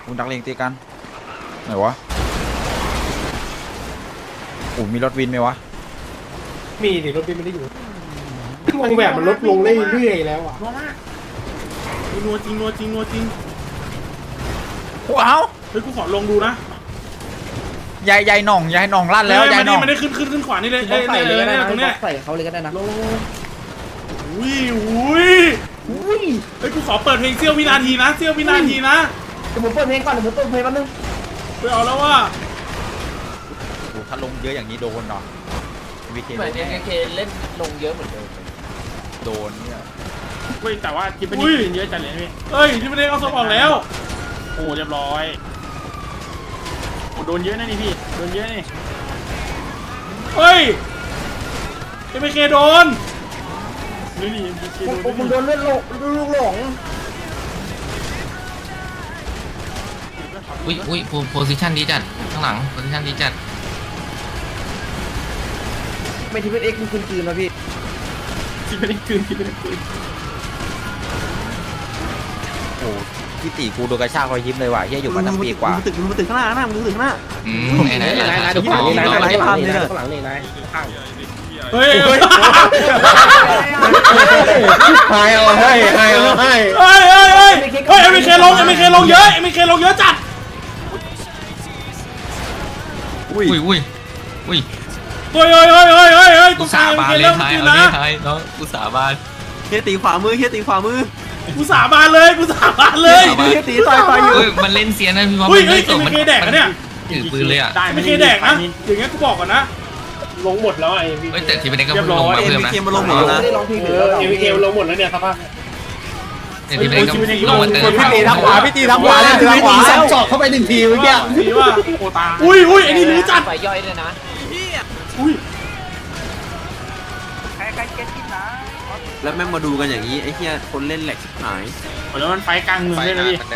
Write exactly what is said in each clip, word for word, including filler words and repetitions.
คุณดักเลงตีกันไหนวะโอ้มีรถวินไหมวะมีดิรถวินไม่ได้อยู่วงแบบมันลดลงเรื่อยๆแล้วอ่ะนัวจริงนัวจริงนัวจริงว้าวเฮ้ยกูขอลงดูนะยายยายหน่องยายหน่องลั่นแล้วยายหน่องมันได้ขึ้นขึ้นขึ้นขวานี่เลยเอ้ยเลยเลยตรงเนี้ยใส่เขาเลยก็ได้นะลงอุ้ยอุ้ยอุ้ยเฮ้ยกูขอเปิดเพลงเสี้ยววินาทีนะเสี้ยววินาทีนะเดี๋ยวผมเปิดเพลงก่อนเดี๋ยวผมเปิดเพลงแป๊บนึงไปเอาแล้วว่าถ้าลงเยอะอย่างนี้โดนเนาะวีเคเหมือนเอ็มเคเล่นลงเยอะเหมือนเดิมโดนเนี่ยเฮ้ยแต่ว่าทิปนี้เยอะจัดเลยพี่เฮ้ยทิปนี้เอาสมองแล้วโอ้เรียบร้อยโอ้โดนเยอะนะนี่พี่โดนเยอะนี่เฮ้ยเอ็มเคโดนนี่นี่เอ็มเคโดนผมโดนเลือดหลงลูกหลงอุ้ยอุ้ยโพซิชันดีจัดข้างหลังโพซิชันดีจัดไม่ทีเป็นเอ็กซ์มันคืนคืนนะพี่ที่ไม่ได้คืนที่ไม่ได้คืนโอ้พี่ตีกูโดนกระชากคอยยิ้มเลยว่ะเฮียอยู่มาตั้งปีกว่ามึงตึกมึงตึกข้างหน้านะมึงตึกข้างหน้าอืมไหนไหนไหนไหนดูข้างหลังนี่นายข้างหลังนี่นายข้างหลังนี่นายเฮ้ยเฮ้ยให้เอาให้ให้เอาให้เฮ้ยเฮ้ยเฮ้ยเฮ้ยเอ็มเคลงเอ็มเคลงเยอะเอ็มเคลงเยอะจัดอุ้ยอุ้ยอุ้ยเฮ้ยเฮ้ยเฮ้ยเฮ้ยเฮ้ยเฮ้ยกูสาบานเลยไทยเอาเลยไทยน้องกูสาบานเฮียตีขวามือเฮียตีขวามือกูสาบานเลยกูสาบานเลยเฮียตีต่อยต่อยอยู่มันเล่นเสียนะพี่ว่ามันไม่ตกมันแดกนะเนี่ยถือปืนเลยอ่ะไม่เคแดกนะอย่างเงี้ยกูบอกก่อนนะลงหมดแล้วไอ้เฮ้ยแต่ทีเป็นก็ลงมาเพิ่มนะเอ็มเคมาลงหมดแล้วนะเออเอ็มเคลงหมดแล้วเนี่ยครับทีเป็นก็ลงมาเติมพี่ตีทางขวาพี่ตีทางขวาเลยพี่ตีสับจอกเข้าไปหนึ่งทีเมื่อกี้พี่ว่าโอตาอุ้ยอุ้ยไอ้นี่รู้จัดไฟย่อยเลยนะอุ้ยใครใครเก็ตกินนะแล้วแม่งมาดูกันอย่างนี้ไอ้เหี้ยคนเล่นแหลกชิบหายแล้วมันไฟกลางเมืองได้เลยพี่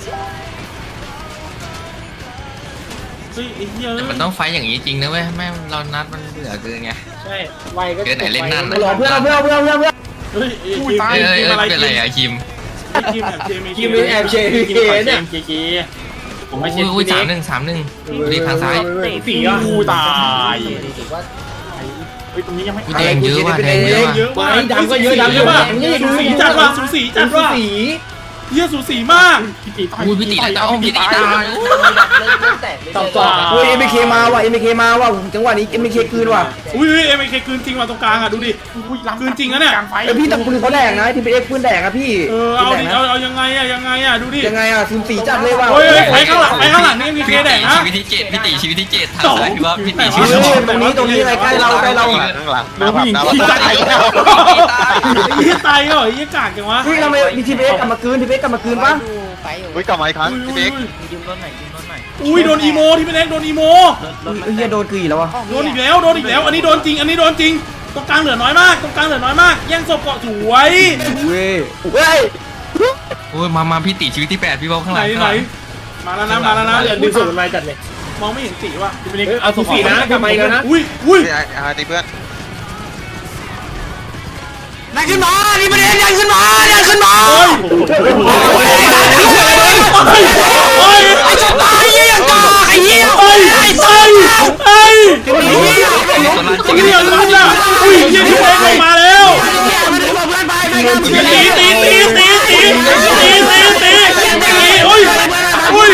เฮ้ยไอ้เหี้ยมันต้องไฟอย่างนี้จริงนะเว้ยแม่เรานัดมันเบื่อเกินไงใช่ไวก็เกินไหนเล่นนั่นเพื่อนเพื่อนเพื่อนเพื่อนเพื่อนเพื่อนเฮ้ยอุ้ยตายเป็นอะไรอะคิมคิมแอบเจมคิมแอบเจมเนี่ยเจผมไม่ใช่อุ้ยสามหนึ่งสามหนึ่งดีทางซ้ายสี่อ่ะกูตายเฮ้ยตรงนี้ยังไม่แดงเยอะว่ะแดงเยอะเยอะมากดำก็เยอะดำเยอะมากสูสีจัดว่ะสูสีจัดว่ะเยี่ยสูสีมากพี่ตีอุ้ยพี่ตีตายพี่ตีตายต่อต่ออุ้ยเอ็มเคมาว่ะเอ็มเคมาว่ะจังหวะนี้เอ็มเคคืนว่ะอุ้ยเอ็มเคคืนจริงว่ะตรงกลางอ่ะดูดิคืนจริงนะเนี่ยเออพี่แต่ปืนเขาแดงนะที่เป็นเอ็กปืนแดงอะพี่เออเอาดิเอาเอายังไงอะยังไงอะดูดิยังไงอะซูมสีจัดเลยว่ะเฮ้ยไปข้างหลังไปข้างหลังนี่มีเคแดงนะชีวิตที่เจ็ดพี่ตีชีวิตที่เจ็ดทางซ้ายพี่ว่าพี่ตีชีวิตตรงนี้ตรงนี้อะไรใกล้เราใกล้เราข้างหลังน้ำผู้หญิงตายยี่ตายเหรอยี่กากจังวะเฮ้ยเราไม่มีทีเบสกลับมาคืนทีเบสกลับมาคืนปะอุ้ยกลับมาอีกครั้งพี่เบ๊กอุ้ยโดนอีโมที่เป็นเอ็กโดนอีโมเฮียโดนกือแล้ววะโดนอีกแล้วโดนอีกแล้วอันนี้โดนจริงอันนี้โดนจริงตรงกลางเหลือน้อยมากตรงกลางเหลือน้อยมากแย่งศพเกาะสวยเว้ยเว้ยโอ้ยมามาพี่ตีชีวิตที่แปดพี่บอกข้างหลังไหนมาแล้วนะมาแล้วนะดึงสูงมาจัดเลยมองไม่เห็นสีว่ะเอาสูสีนะกลับมาอีกแล้วนะอุ้ยอุ้ยตีเพื่อนนายขึ้นมานี่มันเองนายขึ้นมานายขึ้นมาโอ้ยโอ้ยไอ้จะตายยังกาไอ้เหี้ยไอ้ไอ้ไอ้ไอ้ตรงนี้อย่างนั้นอ่ะอุ้ยยี่ที่เอ็กมาแล้วตีตีตีตีตีตีตีตีตีตีอุ้ยอุ้ย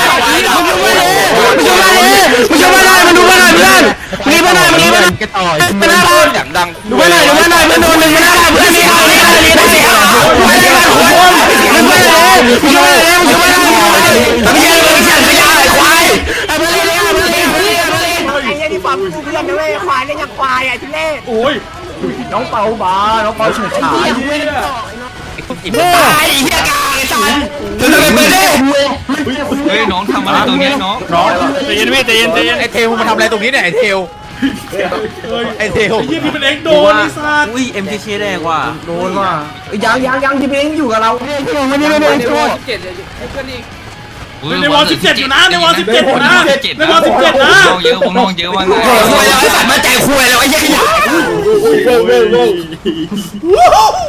มันจะมาเลยมันจะมาเลยมันดูมาเลยเพื่อนมีมาหน่อยมีมาหน่อยกระต่อยอย่างดังดูมาหน่อยดูมาหน่อยเพื่อนโดนหนึ่งมาหน่อยเพื่อนเสียหายเลยเลยเสียหายไม่ได้มาควายมึงมาเลยมึงมาเลยมึงมาเลยมึงมาเลยมึงจะขยายควายมาเลยเลยมาเลยมาเลยมาเลยไอ้เนี่ยที่ฝังกูเพื่อนนะเว้ยควายเนี่ยยังควายไอ้ทุเล่โอ้ยน้องเปาบาน้องเปาเฉยฉายตายเฮียกาไอ้สันถึงจะไปเล่เฮ้ยน้องทำอะไรตรงนี้น้องน้องใจเย็นพี่ใจเย็นใจเย็นไอเทลมันทำอะไรตรงนี้เนี่ยไอเทลไอเทลยี่พี่เป็นเอ็กโดนไอ้สัตว์อุ้ยเอ็มเคเคแดงว่ะโดนว่ะยังยังยังที่เป็นอยู่กับเราไม่ได้ไม่ได้โทษเจ็ดเลยให้เพื่อนอีกในวอลสิบเจ็ดอยู่นะในวอลสิบเจ็ดอยู่นะในวอลสิบเจ็ดนะน้องเยอะพวกน้องเยอะว่าไงคุยแล้วไอ้สัตว์มาแจกคุยแล้วไอ้ยี่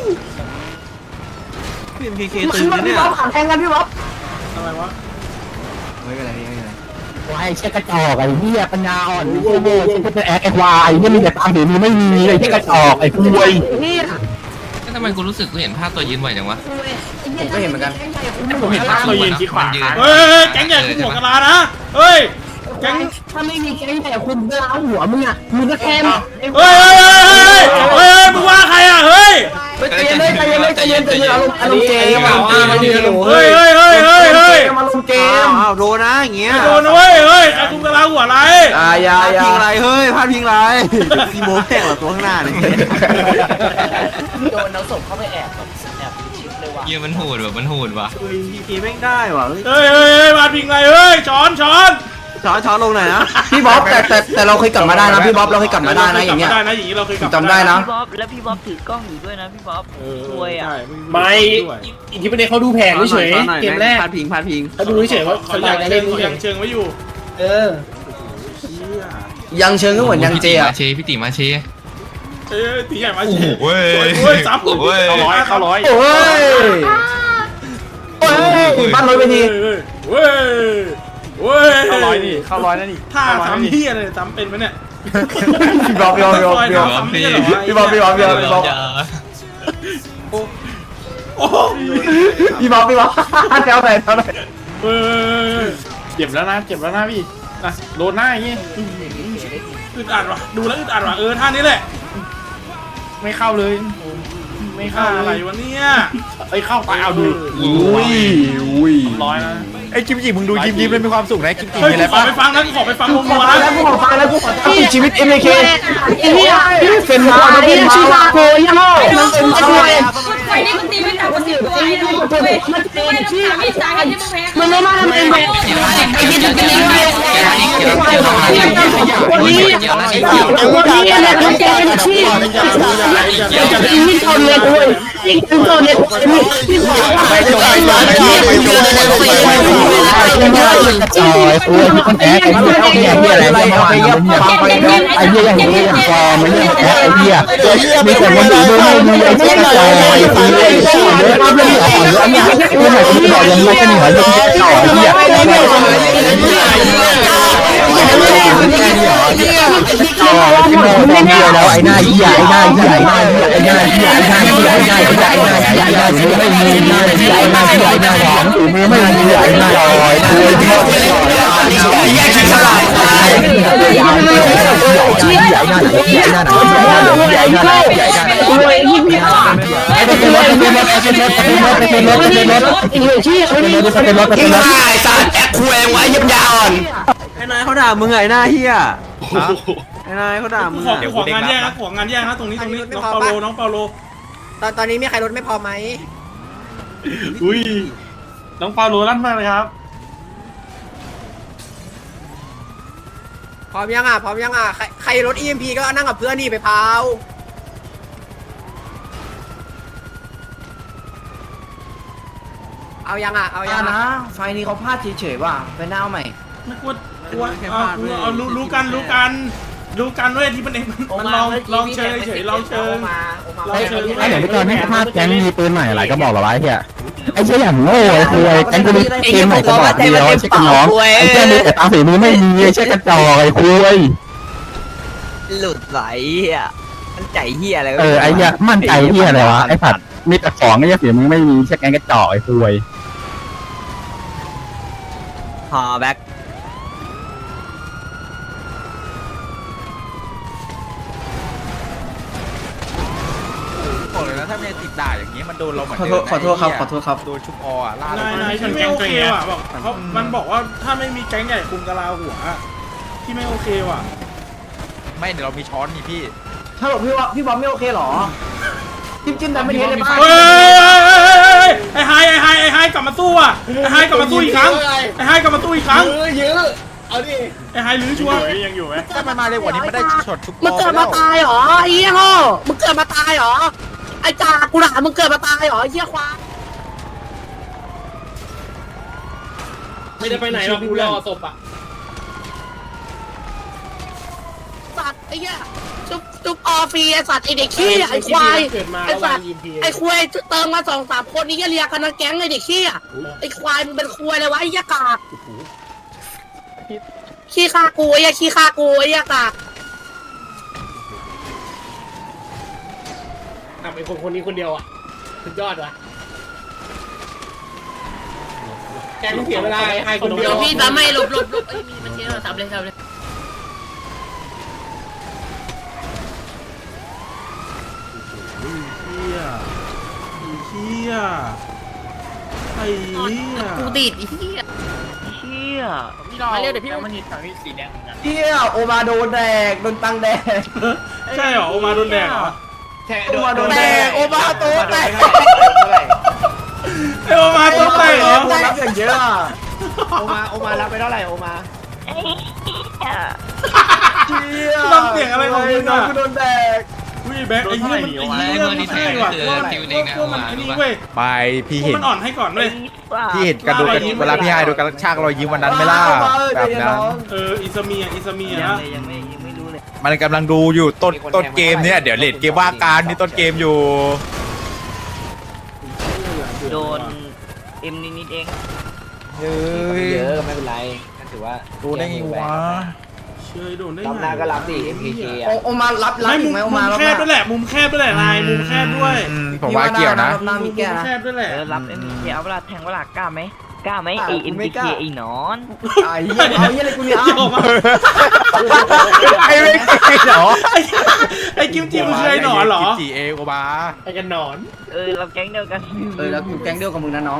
พี่เอ็มเคเคตื่นเนี่ยพี่บ๊อบขังแทงกันพี่บ๊อบอะไรวะไม่เป็นไรไม่เป็นไรควายเช็คกระจอกไอ้เหี้ยปัญญาอ่อนโง่โง่เช็คกระแอกไอ้ควายเนี่ยมีแต่ตังค์เดี๋ยวนี้ไม่มีไอ้เช็คกระจอกไอ้คุยทำไมกูรู้สึกกูเห็นภาพตัวยืนบ่อยจังวะผมก็เห็นเหมือนกันผมเห็นภาพเรายืนที่ขวายืนเฮ้ยแก๊งใหญ่กูหัวกะลานะเฮ้ยแก๊งถ้าไม่มีแก๊งแต่คุณเพื่อเอาหัวมึงอ่ะมึงก็แค่เฮ้ยเฮ้ยเฮ้ยเฮ้ยมึงว่าใครอ่ะเฮ้ยใจเย็นเลยใจเย็นเลยใจเย็นใจเย็นอารมณ์อารมณ์เกมอารมณ์เกมเฮ้ยเฮ้ยเฮ้ยเฮ้ยเฮ้ยอารมณ์เกมอ้าวโดนนะอย่างเงี้ยโดนนะเว้ยเฮ้ยใครคุมกะลาหัวอะไรอ่าอย่าอย่าพิงไรเฮ้ยพลาดพิงไรอีโมแข่งหรอตัวข้างหน้าเนี่ยโดนเอาศพเข้าไปแอบแบบแอบชิดเลยว่ะเยี่ยมันโหดว่ะมันโหดว่ะเฮ้ยพีพีแม่งได้ว่ะเฮ้ยเฮ้ยเฮ้ยมาพิงไรเฮ้ยช้อนช้อนช้อนช้อนลงหน่อยนะพี่บ๊อบแต่แต่แต่เราเคยกลับมาได้นะพี่บ๊อบเราเคยกลับมาได้นะอย่างเงี้ยได้นะอย่างนี้เราเคยกลับจำได้นะพี่บ๊อบแล้วพี่บ๊อบถือกล้องอยู่ด้วยนะพี่บ๊อบรวยอ่ะไม่อีกทีประเด็นเขาดูแผนเฉยๆเกมแรกพลาดพิงพลาดพิงเขาดูเฉยๆว่าเขาเขาอยาก กอายเชิเล่งนเขาเกยัมงเชิงไว้อยู่เออยังเชิงก็เหมือนยังเจพี่ติอะมาเชพี่ติมาเชเอ้ยตีใหญ่มาเฉยเว้ยเว้ยซับเว้ยเข้าร้อยเข้าร้อยโอ้ยโอ้ยบ้านรถไปทีเว้ยเว้ยเข้าร้อยนี่เข้าร้อยนั่นนี่ท่าซ้ำเฮียเลยซ้ำเป็นไหมเนี่ยพี่บ๊อบพี่บ๊อบพี่บ๊อบพี่บ๊อบซ้ำเฮียเหรอพี่บ๊อบพี่บ๊อบพี่บ๊อบพี่บ๊อบโอ้โหพี่บ๊อบพี่บ๊อบแถวไหนแถวไหนเว้ยเจ็บแล้วนะเจ็บแล้วนะพี่นะโดนหน้าอย่างงี้อึดอัดว่ะดูแล้วอึดอัดว่ะเออท่านี้แหละไม่เข้าเลย ไม่เข้าท่าอะอะไร ไรวะเนี่ยเอ้ยเข้าไปเอาดูอุ้ยอุ้ยร้อยนะไอ้คิมจิมึงดูยิ้มยิ้มเลยมีความสุขนะคิมจิเฮ้ยมีอะไรกูขอป่ะไปฟังนะกูขอไปฟังวงนัวนะแล้วกูขอฟังแล้วกูขอตั้งชีวิต เอ็ม เค ไอ้เหี้ยเป็นมาเป็นมาโกยยังมันเป็นช่วยไอ้นี่มันตีไม่ต่ำกว่าสิบตัวไอ้นี่มันเป็นมันเป็นที่ไม่ตายที่มึงแพ้มันไม่มาทำเองแบบไอ้ที่จะเป็นยังไงวันนี้วันนี้อะไรคุณแกเป็นที่ยิงคนเลยด้วยยิงคนเลยที่ขอไปจอยมาไปจอยไปจอยไปจอยจอยคุยคนแอกไอ้เหี้ยไอ้เหี้ยอะไรไอ้เหี้ยไอ้เหี้ยอย่างนี้อย่างฟอร์มไอ้เหี้ยแอกไอ้เหี้ยมีแต่คนอื่นไม่มีไอ้เหี้ยจอยไอ้เหี้ยเยอะมากเลยอ่อนเยอะเนี่ยคือไหนก็ไม่บอกยังไม่กันหัวยังไม่ต่อไอ้เหี้ยไอ้เหี้ยต่อที่โมตองเดียวแล้วไอ้หน้าเหี้ยไอ้หน้าเหี้ยไอ้หน้าเหี้ยไอ้หน้าเหี้ยไอ้หน้าเหี้ยไอ้หน้าเหี้ยไอ้หน้าเหี้ยไอ้หน้าเหี้ยไม่มีหน้าเหี้ยไอ้หน้าเหี้ยไอ้หน้าหวังถือมือไม่มีไอ้หน้าลอยคุยที่โมตองแยกขี้ฉลาดไอ้เหี้ยไอ้หน้าเหี้ยไอ้หน้าเหี้ยไอ้หน้าเหี้ยไอ้หน้าเหี้ยไอ้หน้าเหี้ยไอ้หน้าคุยที่พี่ไอ้เป็นรถเป็นรถเป็นรถเป็นรถเป็นรถเป็นรถเป็นรถไอ้เหี้ยชี้เป็นรถเป็นรถเป็นรถไอ้สัตว์แอกคุยไว้ยับยาอ่อนไอ้นายเขาด่ามึงไงหน้าเหี้ยไอ้นายเขาด่ากูมึงขอกูของานแยกนะของานแยกนะตรงนี้ตรงนี้น้องเปาโลน้องเปาโลตอนตอนนี้มีใครรถไม่พอไหมอุ้ยน้องฟาโรลั่นมากเลยครับพร้อมยังอ่ะพร้อมยังอ่ะใครใครรถ อี เอ็ม พี ก็นั่งกับเพื่อนนี่ไปพาวเอายังอ่ะเอายังนะอ่ะไฟนี้เขาพลาดเฉยๆว่ะไปหน้าใหม่ไม่กลัวกลัวเอาเอารู้รู้กันรู้กันรู้กันเว้ยที่มันเองมันลองลองเชิงเฉยลองเชิงลองเชิงไอ้เดี๋ยวพี่ตอนให้ภาพแก๊งมีปืนใหม่อะไรก็บอกเราไว้เฮียไอ้เชี่ยอย่างโง่ไอ้คุยแก๊งกูมีปืนใหม่ก็บอกเดียวไอ้เชี่ยกันน้องไอ้เชี่ยมีแต่ตาสีมือไม่มีไอ้เชี่ยกันจอไอ้คุยหลุดไหลอ่ะมันใจเฮียอะไรเออไอ้เหี้ยมั่นใจเหี้ยอะไรวะไอ้ผัดมีแต่ของไอ้เหี้ยเสียมึงไม่มีเช็คแกงกระจอกไอ้คุยฮอแบ็คบอกเลยนะถ้าเมย์ติดด่าอย่างนี้มันโดนเราเหมือนขอเดิโทษมขอโทษครับขอโทษครับโดนชุบออ่ะล่านายนายที่ไม่โอเคว่ะบอกเขามันบอกว่าถ้าไม่มีแก๊งใหญ่คุมกะลาหัวที่ไม่โอเคว่ะไม่เดี๋ยวเรามีช้อนนี่พี่ถ้าบอกพี่ว่าพี่บ๊อบไม่โอเคหรอจิ้มจิ้มแต่ไม่เห็นเลยป้าเฮ้ยไอ้ไฮไอ้ไฮไอ้ไฮกลับมาสู้อ่ะไอ้ไฮกลับมาสู้อีกครั้งไอ้ไฮกลับมาสู้อีกครั้งเยอะเอาดิไอ้ไฮลื้อชัวร์ยังอยู่ไหมถ้ามันมาเร็วกว่านี้ไม่ได้ช็อตชุบมึงเกิดมาตายเหรอไอ้เหี้ยโง่มึงเกิดมาตายเหรอไอ้จ่ากูด่ามึงเกิดมาตายเหรอไอ้เหี้ยควายไม่ได้ไปไหนหรอกกูรอศพอ่ะสัตว์ไอ้เหี้ยจุ๊บจุ๊บออฟรีไอ้สัตว์ไอ้เด็กขี้ไอ้ควายไอ้สัตว์ไอ้ควายเติมมาสองสามคนนี้เรียกกันนะแก๊งไอ้เด็กขี้ไอ้ควายมึงเป็นควายเลยวะไอ้ยากาศขี้คากูไอ้ขี้คากูไอ้กากทำไอ้คนคนนี้คนเดียวอ่ะสุดยอดว่ะแกต้องเสียเวลาไอ้คนเดียวพี่ทำให้หลบหลบหลบไอ้มีมันเจ๊เราทำเลยทำเลยเฮียเฮียไอ้เฮียกูติดไอ้เหี้ยเชี่ยพี่รอเรียกเดี๋ยวพี่มันนี่ถังนี่สีแดงเหมือนกันเฮียโอมาโดนแดกโดนตังแดกใช่เหรอโอมาโดนแดงเหรอโอมาโดนแดกโอมาโดนแดกไอโอมาตัวแตกเหรอรับอย่างเยอะอะโอมาโอมารับไปเท่าไหร่โอมาเชี่ยทำเสียงอะไรของมึงอ่ะโดนแดกวิแบ็คไอ้เหี้ยมันไอ้เหี้ยมันใช่ว่ะพวกมันพวกมันไอ้นี่เว้ยไปพี่พวกเห็นมันอ่อนให้ก่อนเว้ยพี่เห็นกันดูกันเวลาพี่ไฮดูกันชากรอยยิ้มวันนั้นไม่ล่ะแบบนั้นเอออิซามิอ่ะอิซามิอ่ะยังนะเลยยังไม่ยังไม่รู้เลยมันกำลังดูอยู่ต้นต้นเกมเนี่ยเดี๋ยวเลดเกมว่าการนี่ต้นเกมอยู่โดนเอ็มนิดๆเองเฮ้ยเยอะก็ไม่เป็นไรก็ถือว่าดูได้ไงวะเชยโดนได้รับไงหน้าก็รับดิ เอ็ม พี เค อ่ะโอมารับรับไม่อีมุกมไหมโอมุมาม รับแคบด้วยแหละ มุมแคบด้วยแหละนายมุมแคบด้วยอืมผมว่าเกี่ยวนะหน้ามีแก้มุมนะแคบด้วยแหละเออรับ เอ็ม พี เค เอาเวลาแทงเวลากล้าไหมกล้าไหมอ่ะไอกูเอ็มไม่พีกเคล้าไอ้หนอนไอ้เหี้ยไอ้เหี้ยอะไรกูเนี่ยเกี่ยวมาไอ้ไม่เคยเหรอไอ้กิมจิมันเคยหนอนเหรอกิมจิเองโอบาไอ้กันหนอนเออเราแก๊งเดียวกันเออแล้วกูแก๊งเดียวกับมึงนะน้อง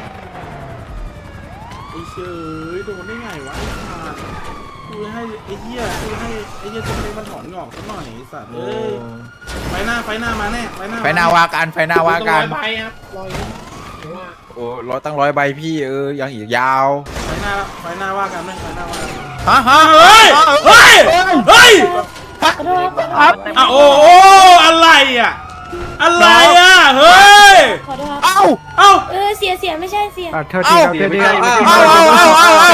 ไอ้เชยโดนได้ไงวะไอ้ขาดกูให้ไอ้เหี้ยกูให้ไอ้เหี้ยจงเลยมันถอนงอกซะหน่อยไอ้สัตว์เอ้ยไฟหน้าไฟหน้ามาแน่ไฟหน้าไฟหน้าว่ากันไฟหน้าว่ากันไปครับรอยโอ้ร้อยตั้งร้อยใบพี่เออยังอีกยาวไฟหน้าไฟหน้าว่ากันไหมไฟหน้าว่ากันฮะฮะเฮ้ยเฮ้ยเฮ้ยขอโทษครับอ่ะโอ้โอ้อะไรอ่ะอะไรอ่ะเฮ้ยขอโทษเอ้าเอ้าเออเสียเสียไม่ใช่เสียเอ้าเอ้าเอ้าเอ้าเอ้าเอ้าเอ้า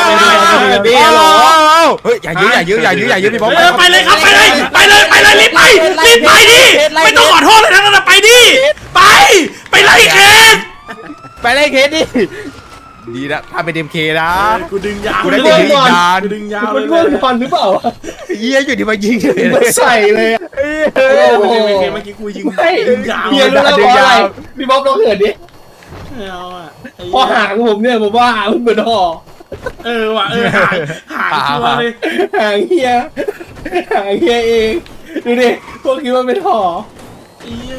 เฮ้ยอย่ายื้ออย่ายื้ออย่ายื้ออย่ายื้อพี่บอสเออไปเลยครับไปเลยไปเลยไปเลยรีบไปรีบไปดิไม่ต้องขอโทษเลยนะนั่นนะไปดิไปไปไล่เคสไปเลยเคสดิดีนะถ้าเป็นเอ็มเคนะกูดึงยาวกูได้ดึงอีกนานกูดึงยาวเลยหรือเปล่าเยี่ยอยู่ที่มายิงเลยใส่เลยอะเออเมื่อกี้กูยิงดึงยาวเฮียรู้แล้วเพราะอะไรพี่บ๊อบลองเหินดิเอาอ่ะพอหางผมเนี่ยผมว่าหางมันเหมือนห่อเออว่ะเออหายหายชัวร์เลยหางเฮียหางเฮียเองดูดิพวกคิดว่าเป็นห่อไอ้เหี้ย